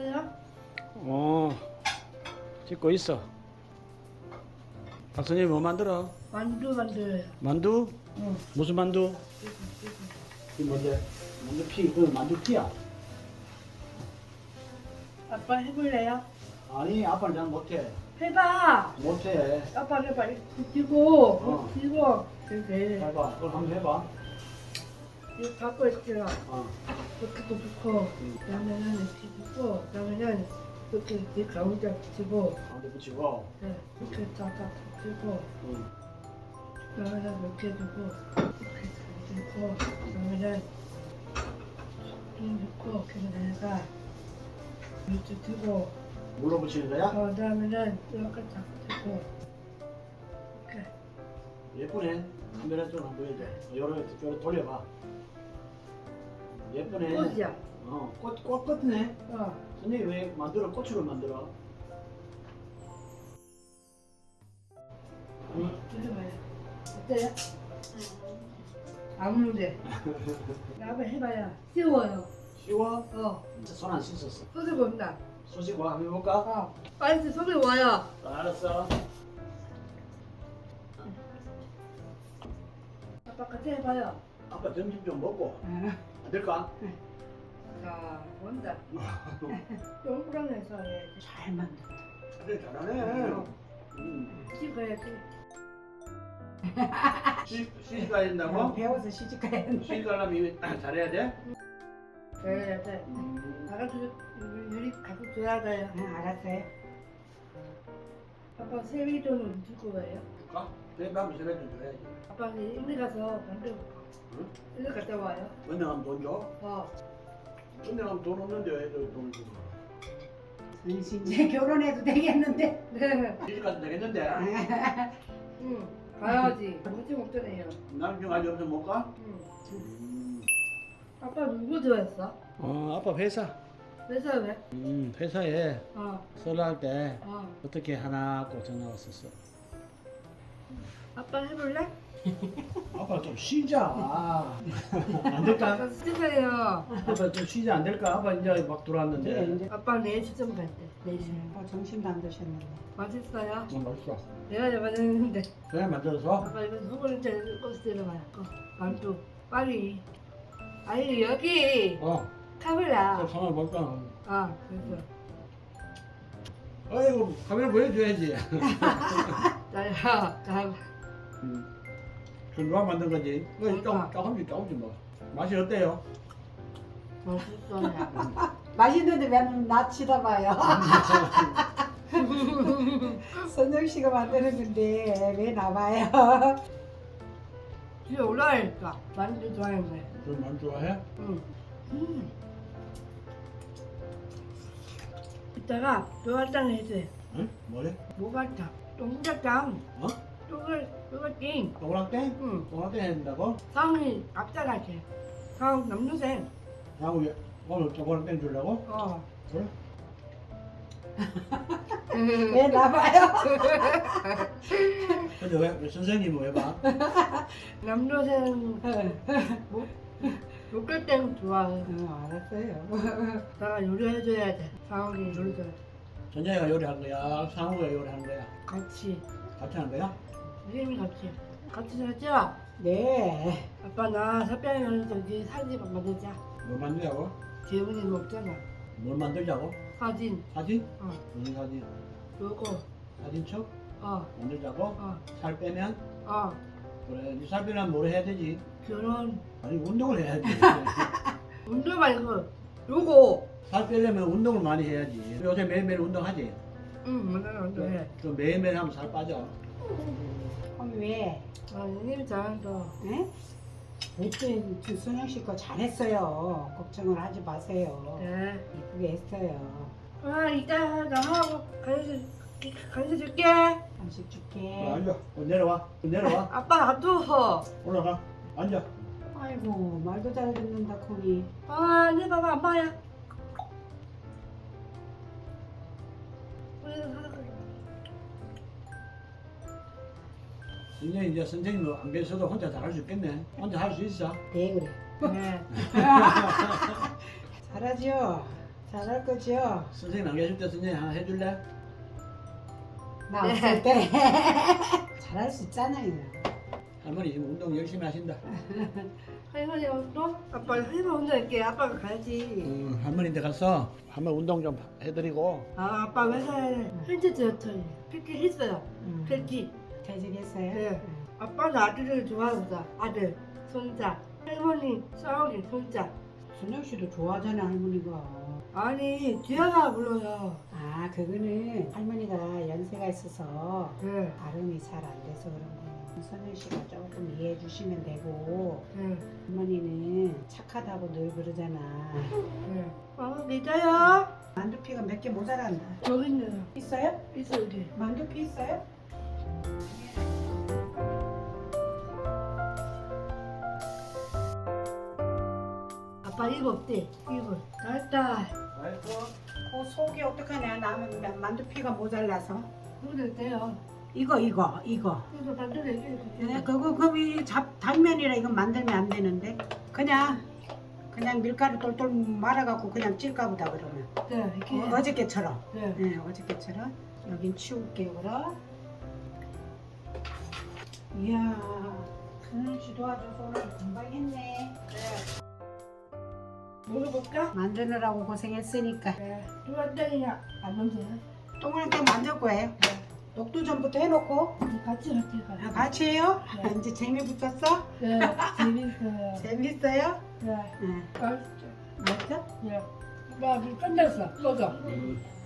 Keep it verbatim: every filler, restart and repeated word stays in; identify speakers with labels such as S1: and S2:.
S1: 됐어요?
S2: 어, 찍고 있어. 박선생님 뭐 만들어?
S1: 만두 만들어요.
S2: 만두?
S1: 응.
S2: 무슨 만두? 이 뭔데? 만두 피, 그 만두 피야?
S1: 아빠 해볼래요?
S2: 아니, 아빠는 잘 못해.
S1: 해봐.
S2: 못해.
S1: 아빠 해봐. 뒤고,
S2: 어.
S1: 뒤고. 이렇게.
S2: 해봐. 그걸 한번 해봐.
S1: 이거 갖고 있어요.
S2: 어.
S1: 이렇게 놓고,
S2: 응.
S1: 그다음에는 이렇게 놓고, 그다음에는 이렇게 이 가운데 붙이고,
S2: 가운데 붙이고.
S1: 네, 이렇게 쫙쫙 붙이고,
S2: 응.
S1: 그다음에는 이렇게 두고, 이렇게 두고, 그다음에는 좀 넣고, 그다음에다가 이렇게 두고,
S2: 물로 붙이는 거야?
S1: 어, 그다음에는 이렇게 딱 두고, 이렇게.
S2: 예쁘네. 카메라 좀 한번 보여줘. 요래, 요래 돌려봐. 예쁘네.
S1: 꽃이야.
S2: 어, 꽃, 꽃 같네.
S1: 어.
S2: 선생님 왜 만들어? 꽃으로 만들어? 응?
S1: 들어봐요. 어때요? 안 문제. 나도 해봐야 쉬워요.
S2: 쉬워?
S1: 어.
S2: 손 안 씻었어.
S1: 소리 본다.
S2: 소식 와, 한번 해볼까?
S1: 어. 빨리 소리 와요.
S2: 알았어.
S1: 아빠 같이 해봐요.
S2: 아빠 점심 좀 먹고 안 될까?
S1: 자, 본다. 동그랑해서 해야지.
S3: 잘 만든다.
S2: 그래 잘하네. 음.
S1: 찍어야지.
S2: 시집 시집 가야 된다고?
S3: 배워서 시집 가야 된다.
S2: 시집 가려면 잘해야 돼?
S1: 그래야 돼.
S2: 음.
S1: 나가서 유리 갖고 줘야 돼요.
S3: 응, 알았어요.
S1: 아빠 세미돈은 주고 가요.
S2: 줄까? 그래 한번 세배 좀 줘야지.
S1: 아빠 일리 가서 만들고
S2: 응?
S1: 일리 갔다 와요.
S2: 은행 가면 돈 줘?
S1: 어.
S2: 은행 가면 돈 없는데 왜 돈을 주고?
S3: 은씨 이제 결혼해도 되겠는데.
S1: 네.
S2: 시집 가도 되겠는데?
S1: 응. 가야지. 무지 먹잖아요.
S2: 나는 좀 아직 없으면 못 가?
S1: 응.
S2: 음.
S1: 아빠 누구 좋아했어?
S2: 어, 아빠 회사.
S1: 회사 왜?
S2: 음, 회사에
S1: 어.
S2: 설날 때
S1: 어.
S2: 어떻게 하나 하고 전화 왔었어.
S1: 아빠 해볼래?
S2: 아빠 좀 쉬자. 안 될까?
S1: 아빠 쓰세요.
S2: 아빠 좀 쉬자 안 될까? 아빠 이제 막
S3: 네,
S2: 들어왔는데.
S3: 이제
S1: 아빠 내일 시점 갈 때. 내일 시점.
S3: 어, 점심도 안 드셨는데.
S1: 맛있어요?
S2: 어, 맛있어.
S1: 내가 잡아냈는데.
S2: 그래 만들어서.
S1: 아빠 이거 두 번째 꽃 들어가요. 어. 만두. 빨리. 아니 여기
S2: 어.
S1: 카메라.
S2: 저 카메라 볼까?
S1: 아 그래서.
S2: 아이고 카메라 보여줘야지.
S1: 나야. 나.
S2: 음. 그 누가 만든 거지? 어, 조금 조금씩 조금씩 먹어. 맛이 어때요?
S1: 맛있어요.
S3: 맛있는데 왜 나 치다봐요. 선영 씨가 만드는 건데 왜 나봐요?
S1: 뒤에 올라가니까 만두 좋아하는
S2: 그 많이 좋아해?
S1: 응. 음. 이따가 노가탕 해줘요.
S2: 응? 뭐래?
S1: 노가탕. 동작탕.
S2: 어?
S1: 또글 또글띵.
S2: 동그랑땡?
S1: 응.
S2: 동그랑땡 해야 된다고?
S1: 상이 앞자라게. 상 남동생.
S2: 하고 오늘 동그랑땡 주려고?
S1: 어.
S2: 그래?
S3: 왜 나봐요?
S2: 근데 왜, 왜 선생님은 왜 봐?
S1: 남동생 목 목걸땡 좋아해.
S3: 응, 알았어요.
S1: 내가 요리해줘야 돼. 상이 요리해줘야 돼.
S2: 전자이가 요리한 거야? 상우가 요리한 거야?
S1: 같이.
S2: 같이 한 거야?
S1: 선생님이 같이. 같이 하자.
S3: 네.
S1: 아빠 나 삽병이 가서 저기 사진 만들자.
S2: 뭘 만들자고?
S1: 재훈이 먹잖아.
S2: 뭘 만들자고?
S1: 사진.
S2: 사진?
S1: 어.
S2: 무슨 사진?
S1: 요거.
S2: 사진첩?
S1: 어.
S2: 만들자고?
S1: 어.
S2: 살 빼면?
S1: 어.
S2: 그래, 이살 빼면 뭘 해야 되지?
S1: 결혼.
S2: 아니 운동을 해야지.
S1: 운동 말고 요거.
S2: 살 빼려면 운동을 많이 해야지. 요새 매일매일 운동하지?
S1: 응, 맨날 운동해.
S2: 좀 매일매일 하면 살 빠져.
S3: 그럼 왜?
S1: 아, 선생님이 잘한다.
S3: 에? 그랬더니 그 선영 씨 거 잘했어요. 걱정을 하지 마세요.
S1: 네.
S3: 이쁘게 했어요.
S1: 아, 이따 나하고 간식 간식 줄게.
S3: 간식
S2: 어,
S3: 줄게.
S2: 앉아. 어, 내려와. 어, 내려와.
S1: 아빠 놔둬.
S2: 올라가. 앉아.
S3: 아이고 말도 잘 듣는다 코니.
S1: 아, 내 봐봐, 엄마야.
S2: 이제 이제 선생님 안 계셔도 혼자 잘할 수 있겠네. 혼자 할 수 있어.
S3: 네 그래.
S1: 네.
S3: 잘하죠. 잘할 거지요?
S2: 선생님 안 계실 때 선생님 하나 해줄래?
S3: 나
S1: 네.
S3: 없을 때 잘할 수 있잖아요.
S2: 할머니 지금 운동 열심히 하신다.
S1: 할머니 운동? 아빠 할머니 운동할게. 아빠가 가야지.
S2: 음, 할머니한테 가서 한번 운동 좀 해드리고.
S1: 아 아빠 회사에 현재 디렉터리 피키 했어요.
S3: 음.
S1: 피키.
S3: 퇴직했어요?
S1: 네. 아빠는 아들을 좋아한다. 아들, 손자. 할머니 싸우기 손자.
S3: 순영 씨도 좋아하잖아 할머니가.
S1: 아니 지아가 불러요.
S3: 아 그거는 할머니가 연세가 있어서
S1: 네.
S3: 발음이 잘 안 돼서 그런 거예요. 선영 씨가 조금 이해해 주시면 되고
S1: 네.
S3: 할머니는 착하다고 늘 그러잖아.
S1: 네. 어 믿어요?
S3: 만두피가 몇 개 모자란다.
S1: 여기 있네요.
S3: 있어요?
S1: 있어 여기.
S3: 만두피 있어요?
S1: 아빠 입 없대. 입을. 됐다.
S2: 알았어.
S3: 그 속이 어떡하냐 나는 만두피가 모자라서.
S1: 그래도 돼요.
S3: 이거 이거 이거.
S1: 그래서 반대로 얘기해
S3: 네,
S1: 주세요.
S3: 그거 그이 잡 당면이라 이건 만들면 안 되는데 그냥 그냥 밀가루 똘똘 말아갖고 그냥 찔까 보다 그러면
S1: 네, 이렇게.
S3: 어, 어저께처럼.
S1: 네.
S3: 네, 어저께처럼. 여긴 치울게요, 그럼. 이야, 선영 씨 도와줘서 오늘 금방 했네.
S1: 먹어볼까?
S3: 만드느라고 고생했으니까.
S1: 네. 두한장이나 안 만져요?
S3: 동그랗게 만들 거예요. 녹두 전부터 해놓고.
S1: 같이 같이
S3: 아,
S1: 같이.
S3: 같이 해요?
S1: 네.
S3: 이제 재미 붙었어?
S1: 네, 재밌어요.
S3: 재밌어요?
S1: 네,
S3: 네.
S1: 맛있죠.
S3: 맞죠?
S1: 네. 나 끝냈어. 먹어.
S2: 음.